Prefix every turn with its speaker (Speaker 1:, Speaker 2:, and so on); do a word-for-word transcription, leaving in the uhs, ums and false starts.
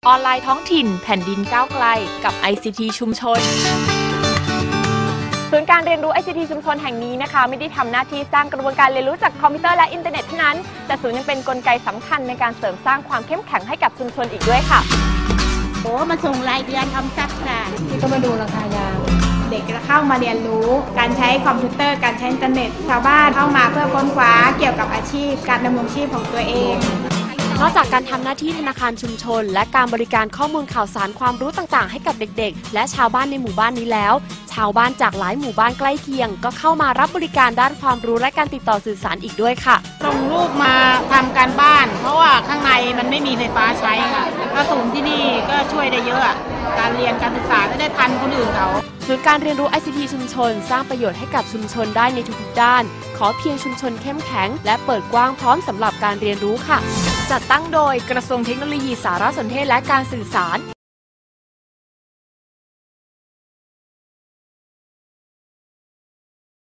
Speaker 1: ออนไลน์ท้องถิ่นแผ่นดินก้าวไกลกับ ไอ ซี ที ชุมชนศูนย์การเรียนรู้ ไอ ซี ที ชุมชนแห่งนี้นะคะไม่ได้ทำหน้าที่สร้างกระบวนการเรียนรู้จากคอมพิวเตอร์และอินเทอร์เน็ตเท่านั้นแต่ศูนย์ยังเป็นกลไกสำคัญในการเสริมสร้างความเข้มแข็งให้กับชุมชนอีกด้วยค่ะ
Speaker 2: โอ้มาส่งรายเดือนทำซักค่ะ
Speaker 3: ที่ก็มาดูราคายาง
Speaker 4: เด็กจะเข้ามาเรียนรู้การใช้คอมพิวเตอร์การใช้อินเทอร์เน็ตชาวบ้านเข้ามาเพื่อค้นคว้าเกี่ยวกับอาชีพการดำรงชีพของตัวเอง
Speaker 1: นอกจากการทำหน้าที่ธนาคารชุมชนและการบริการข้อมูลข่าวสารความรู้ต่างๆให้กับเด็กๆและชาวบ้านในหมู่บ้านนี้แล้วชาวบ้านจากหลายหมู่บ้านใกล้เคียงก็เข้ามารับบริการด้านความรู้และการติดต่อสื่อสารอีกด้วยค่ะ
Speaker 2: ส่งลูกมาทำการบ้านเพราะว่าข้างในมันไม่มีไฟฟ้าใช้ค่ะก็ศูนย์ที่นี่ก็ช่วยได้เยอะการเรียนการศึกษาจะได้ทันคนอื่นเขา
Speaker 1: ศูนย์การเรียนรู้ ไอ ซี ที ชุมชนสร้างประโยชน์ให้กับชุมชนได้ในทุกๆด้านขอเพียงชุมชนเข้มแข็งและเปิดกว้างพร้อมสำหรับการเรียนรู้ค่ะจัดตั้งโดยกระทรวงเทคโนโลยีสารสนเทศและการสื่อสาร